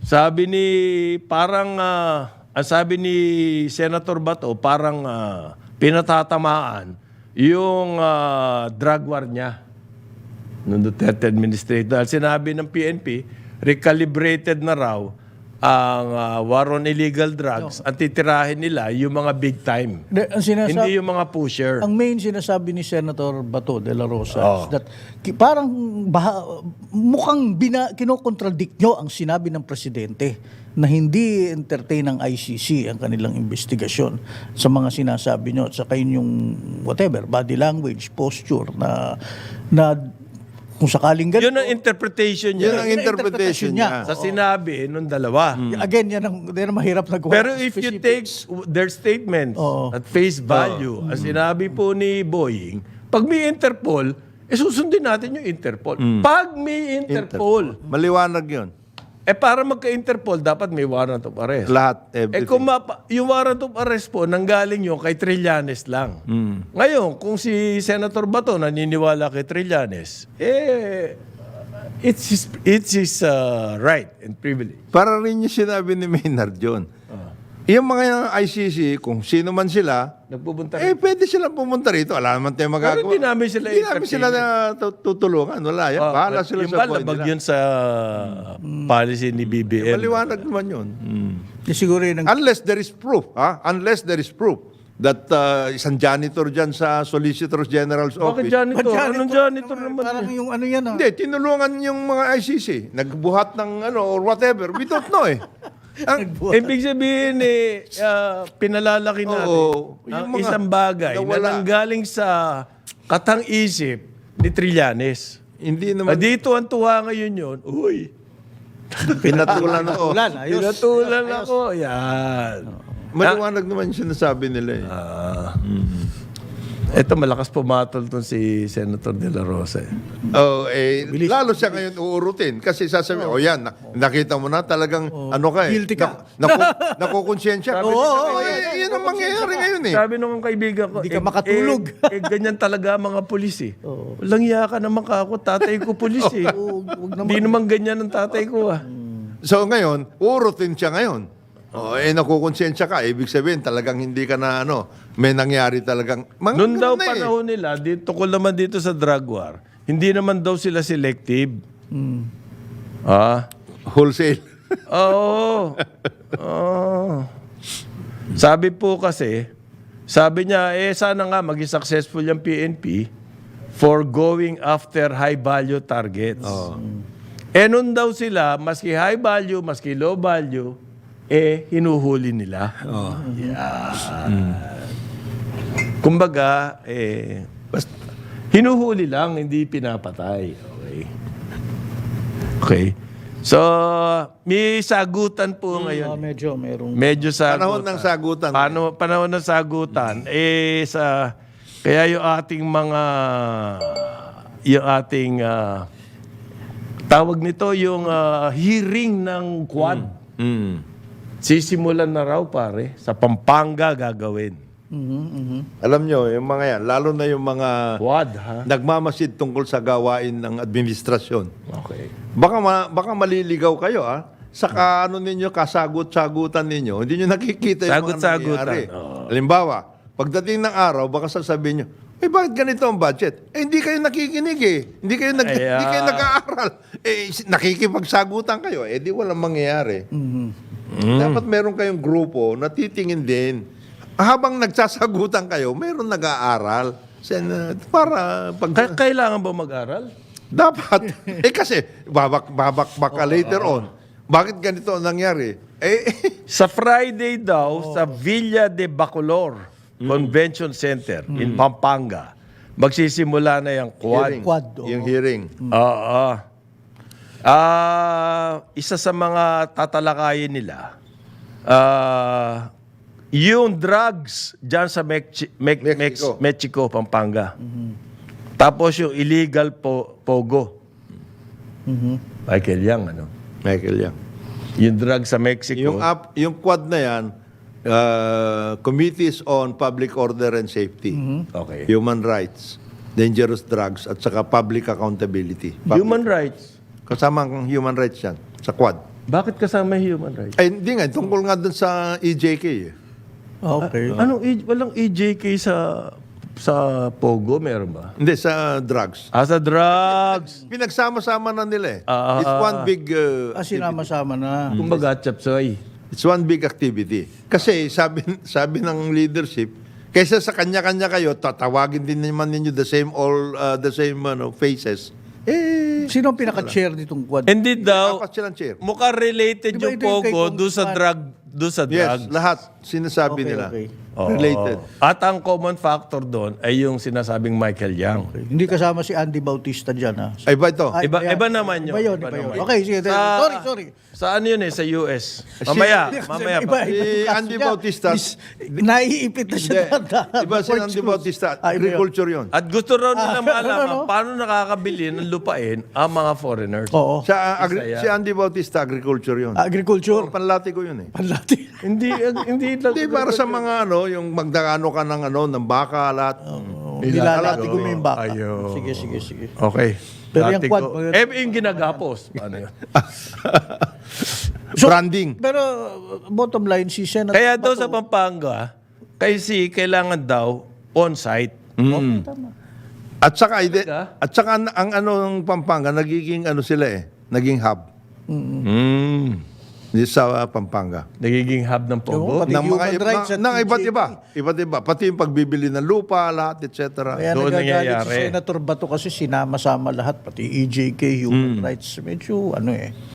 Sabi ni, parang, ang sabi ni Senator Bato, parang pinatatamaan yung drug war niya nung Duterte administration. Dahil sinabi ng PNP, recalibrated na raw ang war on illegal drugs. Ang titirahin nila yung mga big time. Hindi yung mga pusher. Ang main sinasabi ni Senator Bato de la Rosa is that parang mukhang kinokontradict nyo ang sinabi ng presidente na hindi entertain ng ICC ang kanilang investigasyon sa mga sinasabi nyo at saka yung whatever, body language, posture na kung sakaling ganito. Yun ang interpretation niya. Yun ang interpretation niya. Sa sinabi nung dalawa. Again, yan ang mahirap na gawa. Pero if you take their statements at face value, ang sinabi po ni Boying, pag may Interpol, susundin natin yung Interpol. Pag may Interpol, Maliwanag yun. para magka-Interpol, dapat may warrant of arrest. Lahat, everything. Kung yung warrant of arrest po, nanggaling yun kay Trillanes lang. Ngayon, kung si Senator Bato naniniwala kay Trillanes, it's his right and privilege. Para rin yung sinabi ni Maynard John. Yung mga ICC, kung sino man sila, Nagpupunta pwede silang pumunta rito. Wala naman tayong magagawa. Pero hindi namin sila Hindi namin sila na tutulungan. Wala yan. Bahala sila yung sa buhay labag nila. yun sa policy ni BBM. Maliwanag naman yun. Siguro yun ang Unless there is proof. Unless there is proof that isang janitor dyan sa Solicitor General's Bakit office. janitor? Anong janitor naman? parang yung ano yan. Hindi, tinulungan yung mga ICC. Nagbuhat ng or whatever. We don't know Ibig sabihin pinalalaki natin ang yung mga isang bagay na nawala. nanggaling sa katang-isip ni Trillanes. Hindi naman. Dito ang tuwa ngayon yun. Uy, Pinatulan ako. pinatulan ako. Yan. Maliwanag naman yung sinasabi nila. Ito, malakas pumatol tong si Senator De La Rosa. Lalo siya ngayon uurutin. Kasi sasabihin, yan, nakita mo na talagang, Guilty ka. Nakukonsensya. Yan ang mangyayari ngayon Sabi nung kaibigan ko, Hindi ka makatulog. ganyan talaga ang mga pulis Walang iya ka naman ka ako, tatay ko pulis Hindi naman ganyan ang tatay ko So ngayon, uurutin siya ngayon. Nakukonsensya ka. Ibig sabihin, talagang hindi ka na may nangyari talagang. Noon daw panahon nila, tukol naman dito sa drug war, hindi naman daw sila selective. Wholesale. Oo. Sabi po kasi, sabi niya, sana nga maging successful yung PNP for going after high-value targets. Noon daw sila, maski high value, maski low value, hinuhuli nila. Kumbaga, hinuhuli lang, hindi pinapatay. Okay. So, may sagutan po ngayon. Medyo sagutan. Panahon ng sagutan. Panahon ng sagutan. Kaya yung ating tawag nito, yung hearing ng Quad. Sisimulan na raw pare, sa Pampanga gagawin. Alam nyo, yung mga yan, lalo na yung mga Quad, nagmamasid tungkol sa gawain ng administrasyon. Okay. Baka maliligaw kayo, sa ninyo, kasagot-sagutan ninyo, hindi nyo nakikita yung mga nangyayari. Halimbawa, pagdating ng araw, baka sasabihin nyo, bakit ganito ang budget? Hindi kayo nakikinig Hindi kayo nag-aaral. Nakikipagsagutan kayo. Di walang mangyayari. Dapat meron kayong grupo na titingin din. Habang nagsasagutan kayo, meron nag-aaral. Para Kailangan ba mag-aral? dapat. Kasi, babak ka later on. Bakit ganito ang nangyari? Sa Friday daw, sa Villa de Bacolor Convention Center in Pampanga, magsisimula na yung Quad. Yung hearing. Isa sa mga tatalakayin nila, yung drugs dyan sa Mexico, Pampanga. Tapos yung illegal pogo. Michael Yang, Michael Yang. Yung drugs sa Mexico. Yung Quad na yan, Committees on Public Order and Safety, Okay. Human Rights, Dangerous Drugs, at saka Public Accountability. Human rights. Kasama ang human rights yan, sa Quad. Bakit kasama yung human rights? Ay, hindi nga. Tungkol nga dun sa EJK. eh. Okay. Walang EJK sa Pogo, meron ba? Hindi, sa drugs. Sa drugs. Pinagsama-sama na nila eh. Ah, It's one big... Sinama-sama na. Kumbaga, chapsoy. It's one big activity. Kasi sabi ng leadership, kaysa sa kanya-kanya kayo, tatawagin din naman ninyo the same faces. Sino ang pinaka-chair nitong quad? Hindi daw, Apat silang chair. mukhang related Di ba yung ito yung kay Pogo doon sa Congressman? drugs. Yes, lahat sinasabi Okay, nila. okay. Related. At ang common factor doon ay yung sinasabing Michael Yang. Hindi kasama si Andy Bautista dyan, ha? Ay ba ito? Iba naman yun. Iba yun. Okay, sige. Sorry. Saan yun sa US? Mamaya. Si Andy Bautista. Naiipit na siya. Iba si Andy Bautista. Agriculture yun. At gusto raw nila malaman ano? paano nakakabili ng lupain ang mga foreigners. Oo. Si Andy Bautista, agriculture yun. Agriculture. Panlati ko yun eh. Panlati. Hindi Hindi para sa mga yung magdakano ka ng baka, lahat. Nilalati ko mo yung baka. Ayo. Sige. Okay. Pero yung Dati quad, ko- yung ginagapos. Paano yun? Branding. Pero bottom line, si Senator Kaya daw sa Pampanga, kasi kailangan daw on-site. At saka ang ng Pampanga, nagiging sila eh. Naging hub. Sa Pampanga. Nagiging hub ng Pogo. Pati human rights at Iba't EJK. iba. Iba't iba. Pati yung pagbibili ng lupa, lahat, etc. Kaya Doon nagagalit nangyayari. si Senator Bato kasi sinama-sama lahat, pati EJK, human rights. Medyo